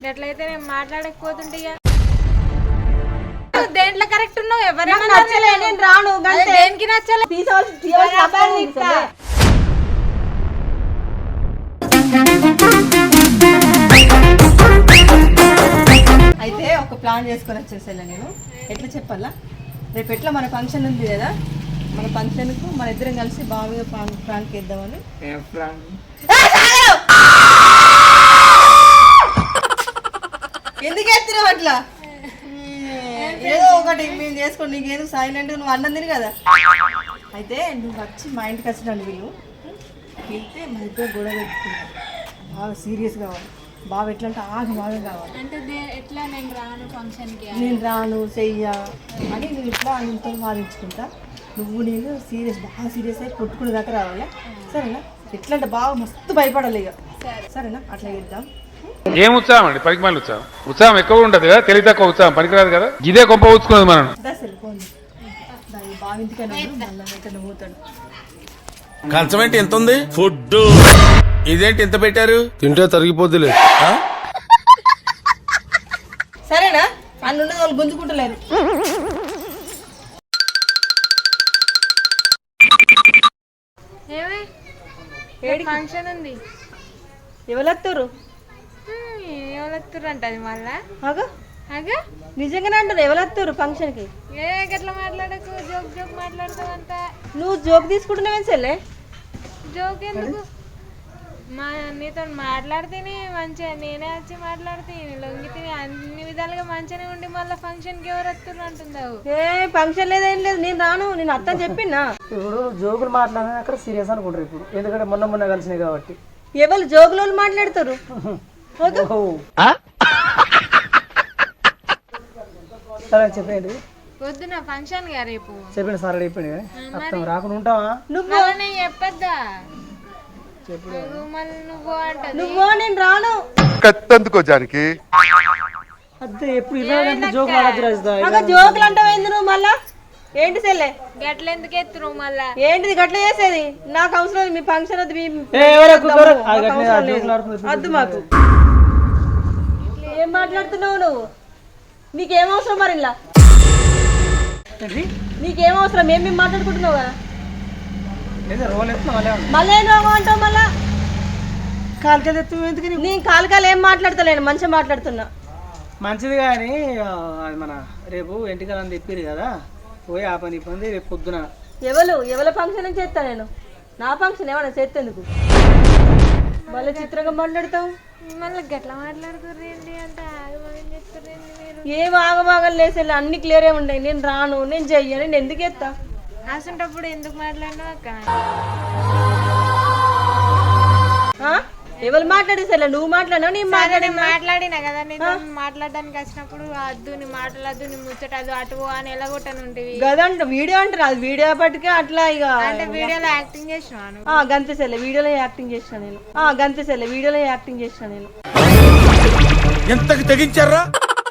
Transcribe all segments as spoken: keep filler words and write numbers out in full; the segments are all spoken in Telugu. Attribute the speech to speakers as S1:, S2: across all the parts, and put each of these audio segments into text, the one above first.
S1: ఎట్లయితే నేను మాట్లాడకపోతుంటే దేంట్లో కరెక్ట్ ఉన్నావు ఎవరైనా నచ్చలే నేను రాను దేనికి నచ్చలే
S2: అయితే ఒక ప్లాన్ చేసుకొని వచ్చేసేలా నేను ఎట్లా చెప్పాలా రేపు ఎట్లా మన ఫంక్షన్ ఉంది కదా మన ఫంక్షన్కు మన ఇద్దరం కలిసి బాగా ప్రాంక్ ప్రాంక్ చేద్దామని ఎందుకు ఎత్తున్నావు అట్లా ఏదో ఒకటి మేము చేసుకోండి నీకేదో సైలెంట్ నువ్వు అన్నం తిని కదా అయితే నువ్వు వచ్చి మా ఇంటికి వచ్చినాను వీళ్ళు వెళ్తే మన ఇద్దరు గొడవ పెట్టుకుంటాం బాగా సీరియస్ కావాలి బాగా ఎట్లా అంటే ఆగి బాగా కావాలి
S1: అంటే ఎట్లా నేను రాను ఫంక్షన్కి
S2: నేను రాను చెయ్య అని నేను ఇట్లా ఇంట్లో వాదించుకుంటా నువ్వు నేను సీరియస్ బాగా సీరియస్ అయ్యి కొట్టుకునే దాకా రావాలా సరేనా ఎట్లా అంటే బాగా మస్తు భయపడాలి ఇక సరేనా అట్లా చేద్దాం
S3: ఏం ఉత్సాహం అండి పనికి మళ్ళీ ఉత్సాహం ఉత్సాహం ఎక్కువ ఉంటుంది కదా తెలివి తక్కువ ఉత్సాహం పనికిరాదు కదా ఇదే గొప్ప ఊచుకున్నది మనం
S2: వెళ్ళిపోండి బాగా ఇంటికైనా మళ్ళీ పోతాడు
S4: కంచం ఏంటి ఎంత ఉంది ఫుడ్ ఇదేంటి ఎంత పెట్టారు
S5: తింటే తరిగిపోద్దులే
S2: సరేనా అన్ను వాళ్ళు గుంజుకుంటలేరు
S1: ఏమి ఫంక్షన్ ఉంది
S2: ఎవరెత్తారు
S1: ఎవరెత్తురు అంట అది మళ్ళా
S2: అగో
S1: అగా
S2: నిజంగానే అంటారు ఎవరెత్తారు ఫంక్షన్ కి
S1: ఏ గట్లా మాట్లాడకు జోక్ జోక్ మాట్లాడతావు అంత
S2: నువ్వు జోక్ తీసుకుంటున్నావేం చెల్లె
S1: జోక్ ఎందుకు మా నీతో మాట్లాడితేనే మంచిగా నేనే వచ్చి మాట్లాడితే లొంగి తిని అన్ని విధాలుగా మంచిగానే ఉండి మళ్ళీ ఫంక్షన్కి ఎవరు వస్తున్నారు అంటున్నావు
S2: ఏ ఫంక్షన్ లేదేం లేదు నేను రాను నేను అత్త చెప్పినా
S6: ఇప్పుడు జోకులు మాట్లాడినా అక్కడ సీరియస్ అనుకుంటారు ఇప్పుడు ఎందుకంటే మొన్న మొన్న కలిసినాయి కాబట్టి
S2: ఎవరు జోకులు మాట్లాడతారు
S6: సరే చెప్పండి
S1: వద్దున ఫంక్షన్ గా రేపు
S6: చెప్పండి సార్ అయిపోయింది అర్థం రాకుండా ఉంటావా
S1: నువ్వు నేను చెప్పద్దా మళ్ళీ నువ్వు అంట
S2: నువ్వు నేను రాను
S5: కత్తందుకో జానికి
S6: అదే ఎప్పుడు ఇరవై గంటలు జోకులు ఆడద్దు రాజుదా
S2: జోకులు అంటావేంది నువ్వు మళ్ళా ఏంటి చెల్లె
S1: గట్ల ఎందుకు ఎత్తురు మళ్ళా
S2: ఏంటిది గట్ల చేసేది నాకు అవసరం మీ ఫంక్షన్ వద్దు వద్దు మాకు ఏం మాట్లాడుతున్నావు నువ్వు నీకేం అవసరం మరి ఇలా నీకేం అవసరం ఏం మేము మాట్లాడుకుంటున్నావు కదా మళ్ళీ ఏం రోగం అంటావు మళ్ళా
S6: కాలికలు ఎత్తు ఎందుకు
S2: నేను కాలుకాలు ఏం మాట్లాడతలేను మంచిగా మాట్లాడుతున్నా
S6: మంచిది కానీ అది మన రేపు ఎంటికలని తెప్పిరు కదా పోయి ఆ పని పని రేపు పొద్దున
S2: ఎవరు ఎవరి ఫంక్షన్ చేస్తా నేను నా ఫంక్షన్ ఏమన్నా చేస్తేందుకు మళ్ళీ చిత్రంగా మాట్లాడతావు
S1: మళ్ళీ గట్లా మాట్లాడుతుర్రు ఏంటి అంటే ఆగమని చెప్తారేంటి మీరు
S2: ఏం ఆగమాగలు లేసేలా అన్ని క్లియరే ఉన్నాయి నేను రాను నేను చెయ్యను నేను ఎందుకు ఎత్తా
S1: అసంటప్పుడు ఎందుకు మాట్లాడినావు అక్క
S2: ఎవరు మాట్లాడేసా నువ్వు మాట్లాడినావు నేను మాట్లాడి
S1: మాట్లాడినా కదా నేను మాట్లాడడానికి వచ్చినప్పుడు అద్దు నీ మాటలద్దు నీ ముచ్చట అది అటు అని ఎలాగొట్టను ఉంటేవి
S2: గదంట వీడియో అంటారు అది వీడియో పట్టుకే అట్లా ఇక
S1: అంటే వీడియోలో యాక్టింగ్ చేసినాను
S2: గంతేసెల్లె వీడియోలో యాక్టింగ్ చేసిన నేను గంతేసెల్లె వీడియోలో యాక్టింగ్ చేసిన నేను
S4: ఎంతకి తెగించారా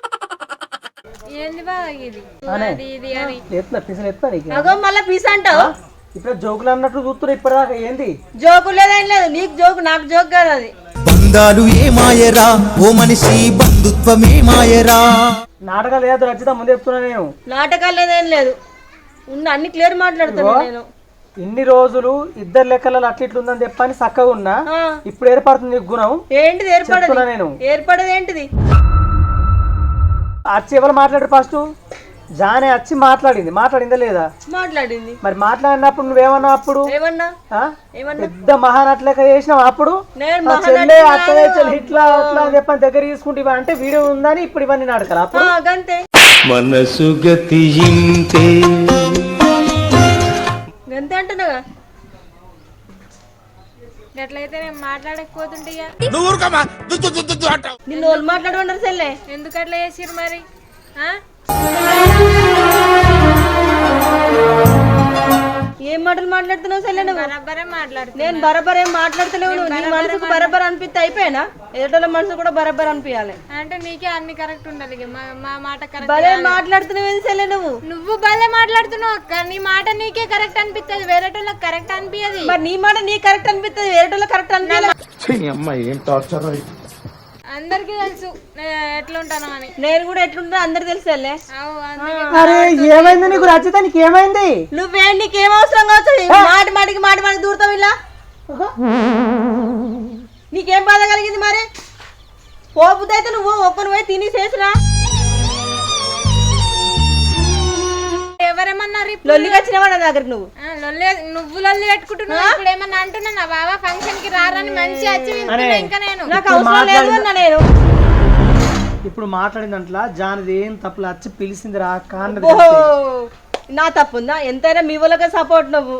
S1: ఏంది బాగా ఇది అది ఇది అని
S6: ఎత్తున్నా పిసలు ఎత్తున్నా నీకు
S2: అగో మళ్ళీ పీస్ అంటావు
S6: ఇప్పుడు జోకులు అన్నట్టు చూస్తున్నా ఇప్పటిదాకా ఏంది
S2: జోకు లేదేం లేదు నీకు జోకు నాకు జోక్ కాదు అది
S7: బంధాలు ఏ మాయరా ఓ మనిషి బంధుత్వమే మాయరా
S6: నాటకాలు ఏదో రచిత ముందు చెప్తున్నా నేను
S2: నాటకాలు లేదేం లేదు ఉన్న అన్ని క్లియర్ మాట్లాడుతున్నా నేను
S6: ఇన్ని రోజులు ఇద్దరు లెక్కలలో అట్లా ఇట్లుందని చెప్పని చక్కగా ఉన్నా ఇప్పుడు ఏర్పడుతుంది నీకు గుణం
S2: ఏంటిది ఏర్పడదు
S6: నేను
S2: ఏర్పడదు ఏంటిది
S6: వచ్చి ఎవరు మాట్లాడారు ఫస్ట్ జానే వచ్చి మాట్లాడింది మాట్లాడిందా లేదా
S2: మాట్లాడింది
S6: మరి మాట్లాడినప్పుడు నువ్వేమన్నా అప్పుడు
S2: ఏమన్నా
S6: పెద్ద మహానట్లెక్క చేసినావు అప్పుడు చెల్లె అక్కడే చెల్లి ఇట్లా అట్లా అని చెప్పని దగ్గర తీసుకుంటే అంటే వీడియో ఉందని ఇప్పుడు ఇవన్నీ నాటకాలు అప్పుడు
S2: గంతే
S7: మనసు గతి ఇంతే
S2: గంతే అంటున్నాగా
S1: ఎట్లయితే నేను మాట్లాడకపోతుంటే
S2: నిన్ను వాళ్ళు మాట్లాడమన్నారు చెల్లె
S1: ఎందుకు అట్లా చేసిరు మరి
S2: ఏం మాటలు మాట్లాడుతున్నావు చెల్లె నువ్వు
S1: బరాబరే మాట్లాడుతున్నా
S2: నేను బరాబర్ ఏం మాట్లాడతలేవు నీ మనసుకు బరాబర్ అనిపిస్తే అయిపోయినా ఎదుటోళ్ళ మనసు కూడా బరాబర్ అనిపించాలి
S1: అంటే నీకే అన్ని కరెక్ట్ ఉండాలి మా మాట కరెక్ట్
S2: భలే మాట్లాడుతున్నావు చెల్లె నువ్వు
S1: నువ్వు భలే మాట్లాడుతున్నావు అక్క నీ మాట నీకే కరెక్ట్ అనిపిస్తుంది వేరేటోళ్ళకి కరెక్ట్ అనిపించదు
S2: మరి నీ మాట నీ కరెక్ట్ అనిపిస్తుంది వేరేటోళ్ళ కరెక్ట్ అనిపించాలి
S4: అమ్మాయి ఏం టార్చర్
S1: అందరికీ తెలుసు నేను ఎట్లా ఉంటాను అని.
S2: నేను కూడా ఎట్లుంటా అందరు తెలుసు చెల్లె.
S1: అవు అందుకే
S6: అరే ఏమైంది నీకు రచిత, నీకు ఏమైంది?
S2: నువ్వే నీకేం అవసరం కావచ్చు, మాట మాటికి మాట మాటికి దూరుతావు ఇలా. నీకేం బాధ కలిగింది మరి? పోపుదైతే నువ్వు ఒక్కను పోయి తిని చేసిరా.
S1: ఎవరేమన్నారు ఇప్పుడు?
S2: లొల్లికి వచ్చినావా నా దగ్గరికి నువ్వు?
S1: ఆ, లొల్లి నువ్వు లొల్లి పెట్టుకుంటున్నావు. ఇప్పుడు ఏమన్నా అంటున్నా నా బాబా ఫంక్షన్ కి రారని మంచి వచ్చి వింటున్నా. ఇంకా నేను
S2: నాకు అవసరం లేదు అన్న నేను.
S6: ఇప్పుడు మాట్లాడిందంట్లా జానది ఏం తప్పులు వచ్చి పిలిచింది రా కాన్నది.
S2: ఓహో నా తప్పుందా? ఎంతైనా మీ వాళ్ళకే సపోర్ట్ నువ్వు.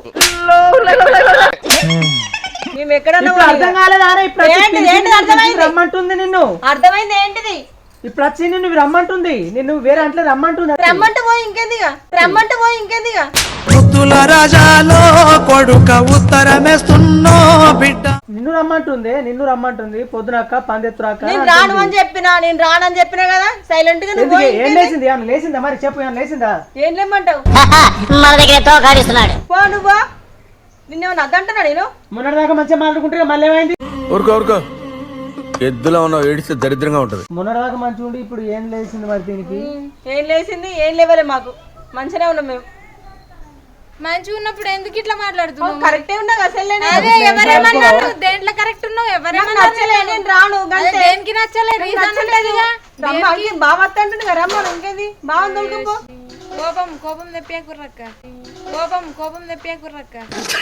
S2: మేము ఎక్కడన్నా
S6: అర్థం కాలేదా? ఇప్పుడు వచ్చి
S2: ఏంటిది?
S6: పిలిచింది,
S2: ఏంటిది అర్థమైంది?
S6: రమ్మంటుంది నిన్ను.
S2: అర్థమైంది ఏంటిది?
S6: ఇప్పుడు వచ్చి నిన్ను రమ్మంటుంది, నిన్ను వేరే అంటే రమ్మంటుంది.
S2: రమ్మంటే పోయి ఇంకేందిగా, రమ్మంటే పోయి ఇంకేందిగా.
S7: ముత్తుల రాజాలో కొడుక ఉత్తరమేస్తున్నో బిడ్డ.
S6: నిన్ను రమ్మంటుంది, నిన్ను రమ్మంటుంది. పొద్దునక్క పందెత్తురాక
S2: నేను రాను అని చెప్పినా, నేను రానని చెప్పినా కదా సైలెంట్ గా నువ్వు.
S6: ఏం లేచింది? ఏమన్నా లేచిందా మరి? చెప్పు, ఏమన్నా లేచిందా?
S2: ఏం లేమంటావు?
S8: మన దగ్గర తోకాడిస్తున్నాడు.
S2: పో నువ్వు. నిన్నేమన్నా అద్దంటున్నా నేను?
S6: మొన్నటి దాకా మంచిగా మాట్లాడుకుంటే మళ్ళీ ఏమైంది?
S4: ఊరుకో ఊరుకో, ఎద్దులో ఉన్నావు, ఏడిస్తే దరిద్రంగా ఉంటది.
S6: మొన్నటి దాకా మంచిగా ఉండి ఇప్పుడు ఏం లేచింది మరి దీనికి?
S2: ఏం లేచింది? ఏం లేవలే మాకు, మంచిగానే ఉన్నాం మేము.
S1: మంచిగా ఉన్నప్పుడు ఎందుకు ఇట్లా మాట్లాడుతున్నావు?
S2: కరెక్టే ఉన్నా అసలు
S1: అదే ఎవరేమన్నారు? దేంట్లో కరెక్ట్ ఉన్నావు? ఎవరేమన్నారు?
S2: నచ్చలే, నేను రాను.
S1: అదే దేనికి నచ్చలే? రీజన్ ఉంటదిగా.
S2: బావ వద్దంటుంది కదా రమ్మ, ఇంకేంది బావ దొరుకుపో.
S1: కోపం కోపం తెప్పే కుర్రక్క, కోపం కోపం తెప్పే కుర్రక్క.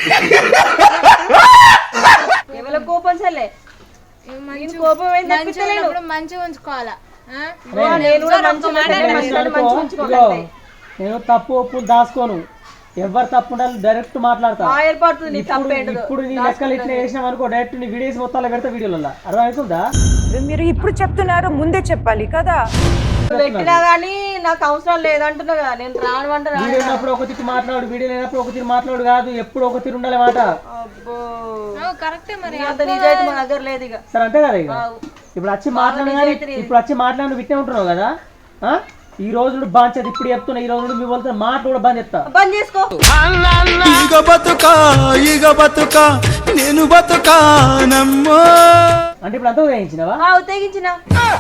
S2: ఎవరి కోపం చెల్లే? కోపం ఏంది?
S1: మంచిగా మంచిగా ఉంచుకోవాలా. ఆ?
S2: నేను కూడా మంచి మాట్లాడే మనుషులను మంచిగా ఉంచుకోవాలి.
S6: నేను తప్పు ఒప్పులు దాసుకోను, ఎవరు తప్పు ఉండాలి డైరెక్ట్ మాట్లాడతా.
S2: ఆ ఏర్పడుతుంది నీ తప్పు ఏంటో.
S6: ఇప్పుడు నీ లెక్కలు ఇట్లా వేసినాం అనుకో, డైరెక్ట్ నీ వీడియోస్ మొత్తాలు పెడతా వీడియోలలో. అర్థమవుతుందా?
S9: మీరు ఇప్పుడు చెప్తున్నారు, ముందే చెప్పాలి కదా.
S2: పెట్టినా గానీ నాకు అవసరం లేదంటున్నా కదా, నేను రాను అంటే రాను.
S6: వీడియో ఉన్నప్పుడు ఒక తిరిగి మాట్లాడు, వీడియో లేనప్పుడు ఒక తిరిగి మాట్లాడు కాదు, ఎప్పుడు ఒక తిరిగి ఉండాలి మాట.
S2: అబ్బో
S1: కరెక్టే మరి.
S2: అంత నిజాయితీ మా దగ్గర లేదు ఇక.
S6: సరే అంతే కదా. ఇక ఇప్పుడు వచ్చి మాట్లాడు కానీ ఇప్పుడు వచ్చి మాట్లాడి విట్టే ఉంటున్నావు కదా. ఆ ఈ రోజు బంద్ చేస్తా, ఇప్పుడు చెప్తున్నా. ఈ రోజు మీ వాళ్ళతో మాట కూడా బంద్ చేస్తా.
S2: బంద్ చేసుకో.
S7: ఈగ బతుక ఈగ బతుక నేను బతుకా నమ్మో.
S6: అంటే ఇప్పుడు అంతా వేయించినవా?
S2: తెగించిన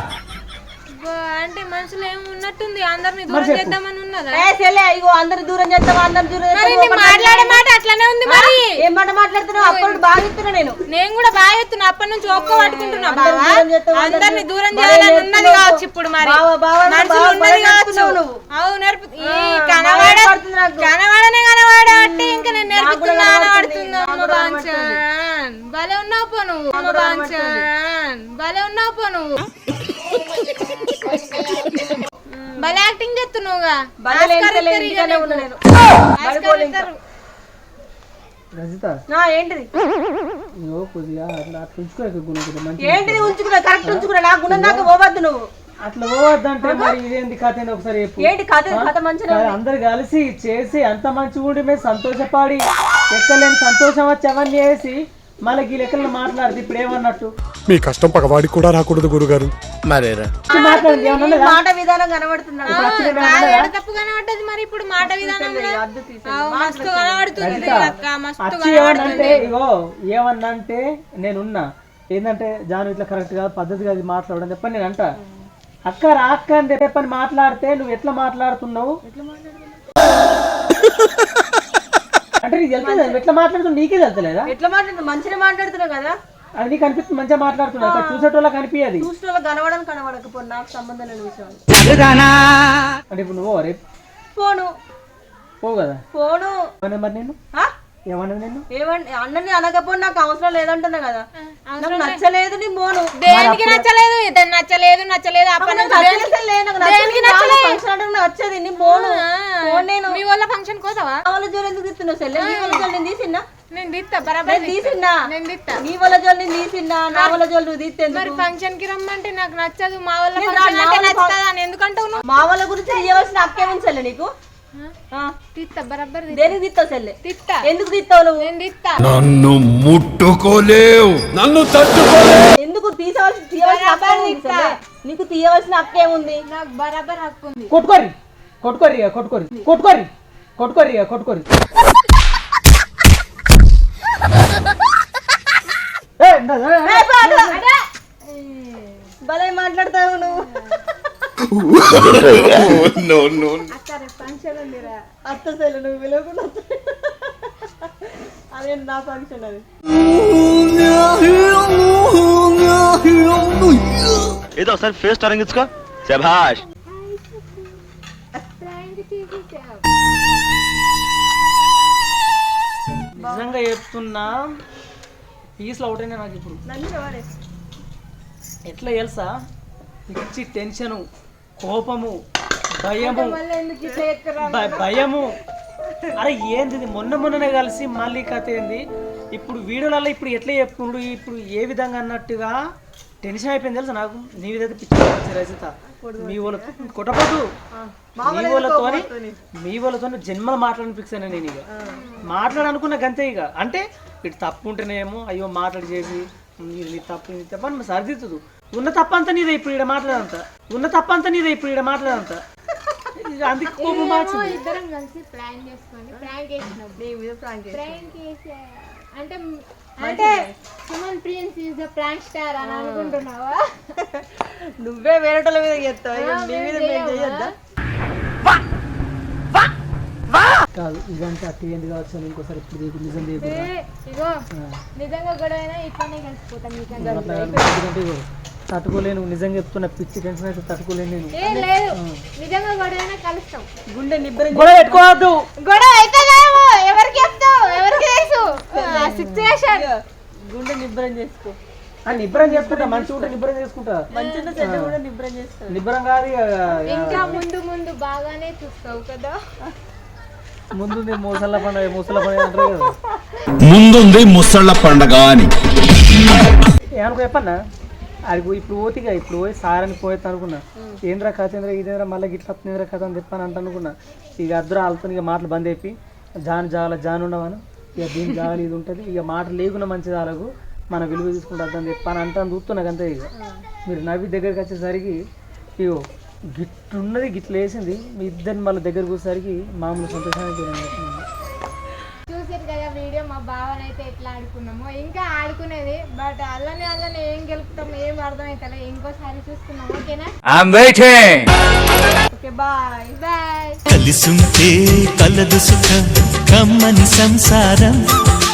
S1: అంటే మనసులో ఏమి ఉన్నట్టుంది? అందరిని దూరం చేద్దామని ఉన్నదా?
S2: ఇగో అందరు దూరం చేస్తావా? అందరు దూరం
S1: మాట్లాడే మాట అట్లానే ఉంది మరి.
S2: ఏం మాట మాట్లాడుతున్నావు? అప్పుడు బాగా చెప్తున్నా నేను.
S1: నేను కూడా బాగా చెప్తున్నా, అప్పటి నుంచి ఒక్క పట్టుకుంటున్నా. బావా అందరిని దూరం చేయాలని ఉన్నది కావచ్చు ఇప్పుడు మరి. మనసులో ఉన్నది కావచ్చు. అవు నేర్పు కనవాడ కనవాడనే కనవాడ అంటే ఇంకా నేను నేర్పుతున్నా కనబడుతుందా? భలే ఉన్నావు పో నువ్వు, భలే ఉన్నావు పో నువ్వు. భలే యాక్టింగ్ చేస్తున్నావుగా.
S6: రజిత
S2: ఏంటిది?
S6: కొద్దిగా అట్లా అట్లా ఉంచుకో.
S2: ఏంటిది ఉంచుకున్నా? కరెక్ట్ ఉంచుకున్నా. నా గుణం దాకా పోవద్దు నువ్వు.
S6: అట్లా పోవద్దంటే మరి ఇదేంటి కథ? ఒకసారి
S2: ఏంటి కథ? కథ మంచిగా
S6: అందరు కలిసి చేసి అంత మంచిగా ఉండి మేము సంతోషపడి ఎక్కలేని సంతోషం వచ్చి అవన్నీ వేసి మళ్ళీ ఈ లెక్కలను మాట్లాడితే ఇప్పుడు ఏమన్నట్టు?
S5: మీ కష్టం పగవాడికి కూడా రాకూడదు గురుగారు.
S4: మరేరా
S2: మాట విధానం కనబడుతున్నాడు.
S1: తప్పు కనబడ్డది మరి. ఇప్పుడు మాట విధానం మస్తు కనబడుతుంది అక్క, మస్తు
S6: ఏమన్నంటే ఇగో ఏమన్నంటే నేనున్నా ఏంటంటే జాను ఇట్లా కరెక్ట్ గా పద్ధతిగా అది మాట్లాడని చెప్పని నేను అంట. అక్క రా అక్క అని చెప్పని మాట్లాడితే నువ్వు ఎట్లా మాట్లాడుతున్నావు అంటే నీకు తెలుస్తుంది. ఎట్లా మాట్లాడుతున్నావు నీకే తెలుస్తలేదా?
S2: ఎట్లా మాట్లాడుతున్నావు? మంచిగా మాట్లాడుతున్నావు కదా,
S6: అది నీకు అనిపిస్తుంది. మంచిగా మాట్లాడుతున్నావు, చూసేటోళ్ళకి కనిపించదు.
S2: చూసిన కనబడని కనబడకపో నాకు సంబంధం లేని విషయం.
S6: అంటే ఇప్పుడు నువ్వు రేపు
S2: పోను
S6: పోవు కదా.
S2: పోను
S6: మరి నేను ఏమన్నది? నేను
S2: ఏమంటే అన్నని అనకపోతే నాకు అవసరం లేదంటున్నా కదా. నాకు నచ్చలేదు నీ మోను.
S1: దేనికి నచ్చలేదు? ఇతను నచ్చలేదు నచ్చలేదు అప్పటి
S2: నచ్చది నీ మోను. నేను
S1: మీ వాళ్ళ ఫంక్షన్ కోసవా?
S2: వాళ్ళ జోలు ఎందుకు తీస్తున్నావు సెల్లె? నీ వాళ్ళ జోలు నేను తీసిన్నా?
S1: నేను తీస్తా బరాబర్
S2: తీసిన్నా.
S1: నేను తీస్తా.
S2: నీ వాళ్ళ జోలు నేను తీసిన్నా, నా వాళ్ళ జోలు నువ్వు తీస్తే
S1: మరి ఫంక్షన్ కి రమ్మంటే నాకు నచ్చదు. మా వాళ్ళ ఫంక్షన్ అంటే నచ్చుతుంది అని ఎందుకంటావు?
S2: మా వాళ్ళ గురించి ఇవ్వవలసిన హక్కే ఉంది సెల్లె నీకు.
S1: తీస్తా బరాబర్.
S2: దేనికి తీస్తావు సెల్లె?
S1: తీస్తా.
S2: ఎందుకు తీస్తావు నువ్వు?
S1: నేను తీస్తా.
S5: నన్ను ముట్టుకోలేవు, నన్ను తట్టుకోలేవు.
S2: ఎందుకు తీసవలసిన తీయవలసిన హక్కే ఉంది సెల్లె. నీకు తీయవలసిన హక్కే ఉంది.
S1: నాకు బరాబర్ హక్కు ఉంది.
S6: కొట్టుకోరి కొట్టుకోరి కొట్టుకోరి కొట్టుకోరి కొట్టుకోరి కొట్టుకోరి
S2: భలే మాట్లాడతావు నువ్వు. అత్త సెల్లు నువ్వు పిలవకుండా అదే నా ఫంక్షన్ అది.
S10: ఏదో ఒకసారి ఫేస్ తరంగించుకో. శభాష్.
S6: నిజంగా చెప్తున్నా పీస్లో అవుతాయి నాకు ఇప్పుడు. ఎట్లా తెలుసా, పిచ్చి టెన్షను, కోపము, భయము భ- భయము. అరే ఏంది ఇది? మొన్న మొన్ననే కలిసి మళ్ళీ కథ ఏంది ఇప్పుడు వీడియోలలో ఇప్పుడు ఎట్లా చెప్పుకుండు ఇప్పుడు ఏ విధంగా అన్నట్టుగా టెన్షన్ అయిపోయింది తెలుసా నాకు. నీ విధంగా పిచ్చి రచిత మీ వాళ్ళతో కొట్టపోదు, మీ వాళ్ళతో మీ వాళ్ళతో జన్మలు మాట్లాడని ఫిక్స్ అయినా నేను. ఇక మాట్లాడనుకున్న గంతే. ఇక అంటే ఇటు తప్పు ఉంటేనేమో అయ్యో మాట్లాడి చేసి నీ తప్పు నీ తప్ప అని సరిదిద్దుదు. ఉన్న తప్పంతా నీదే ఇప్పుడు ఇక్కడ మాట్లాడంతా, ఉన్న తప్పంతా నీదే ఇప్పుడు ఇక్కడ మాట్లాడంతా. అందుకే కోపం మార్చింది.
S1: ఇద్దరం కలిసి ప్లాన్ చేసుకొని ప్రాంక్ చేసినప్పుడు ప్రాంక్ చేసి అంటే అంటే Suman Prince is the prank star అని అనుకుంటున్నావా?
S2: నువ్వే వేరేటోళ్ళ మీద చేస్తావు, ఇక నీ మీద మేము చేయొద్దా?
S6: కాదు ఇదంతా అట్టి ఎందుకు కావచ్చు అని ఇంకోసారి ఇప్పుడు దిగు నిజం దిగు.
S1: ఇగో నిజంగా గొడవైనా ఇట్లానే కలిసిపోతాం.
S6: ఎందుకంటే ఇగో తట్టుకోలేను, నిజంగా చెప్తున్నా, పిచ్చి టెన్షన్ అయితే తట్టుకోలేను నేను.
S1: ఏం లేదు, నిజంగా గొడవైనా కలుస్తాం.
S2: గుండె నిబ్బరం
S6: గొడవ పెట్టుకోవద్దు.
S1: గొడవ అయితే ఎవరికి చెప్తావు, ఎవరికి తెలుసు సిచ్యువేషన్.
S2: గుండె నిబ్బరం చేసుకో.
S6: నిబ్బరం చేసుకుంటా, మంచి ఉంటే నిబ్బరం చేసుకుంటా,
S2: మంచిగా చెడ్డ కూడా నిబ్బరం చేసుకో.
S6: నిబ్బరం కాదు ఇక.
S1: ఇంకా ముందు ముందు బాగానే చూస్తావు కదా.
S6: ముందు మూసళ్ళ పండుగ మూసళ్ళ పండుగ అంటారు కదా.
S5: ముందుంది ముసళ్ళ పండగ అని
S6: ఏమనుకో చెప్పన్నా, అది ఇప్పుడు పోతిగా ఇప్పుడు పోయి సార్ అని పోయేది అనుకున్నా. ఏంద్రా కథ ఏంద్రా ఇదేంద్రా మళ్ళీ గిట్ల వస్తుందిరా కథ అని చెప్పని అంట అనుకున్నా. ఇక అద్దరు వాళ్ళతో ఇక మాటలు బంద్ అయిపోయి జాన్ జాగల జాన్ ఉండవను, ఇక దీని జాగలు ఇది ఉంటుంది, ఇక మాట లేకుండా మంచి జాలకు మన విలువ తీసుకుంటుంది అని చెప్పని అంటాను చూస్తున్నా అంతే. ఇక మీరు నవ్వి దగ్గరికి వచ్చేసరికి ఇగో గిట్లున్నది గిట్ల వేసింది, మీ ఇద్దరిని మళ్ళీ దగ్గరకు వచ్చేసరికి మామూలు సంతోషానికి
S1: చూసారు కదా వీడియో, మా బావనైతే ఎట్లా ఆడుకున్నామో ఇంకా ఆడుకునేది. బట్ అల్లనే అల్లనే ఏం గెలుపుతాం ఏం అర్థమవుతలే. ఇంకోసారి చూసుకున్నాం. ఓకేనా?
S2: Okay bye
S1: bye.
S7: కలిసుంటే కలదు సుఖం కమ్మని సంసారం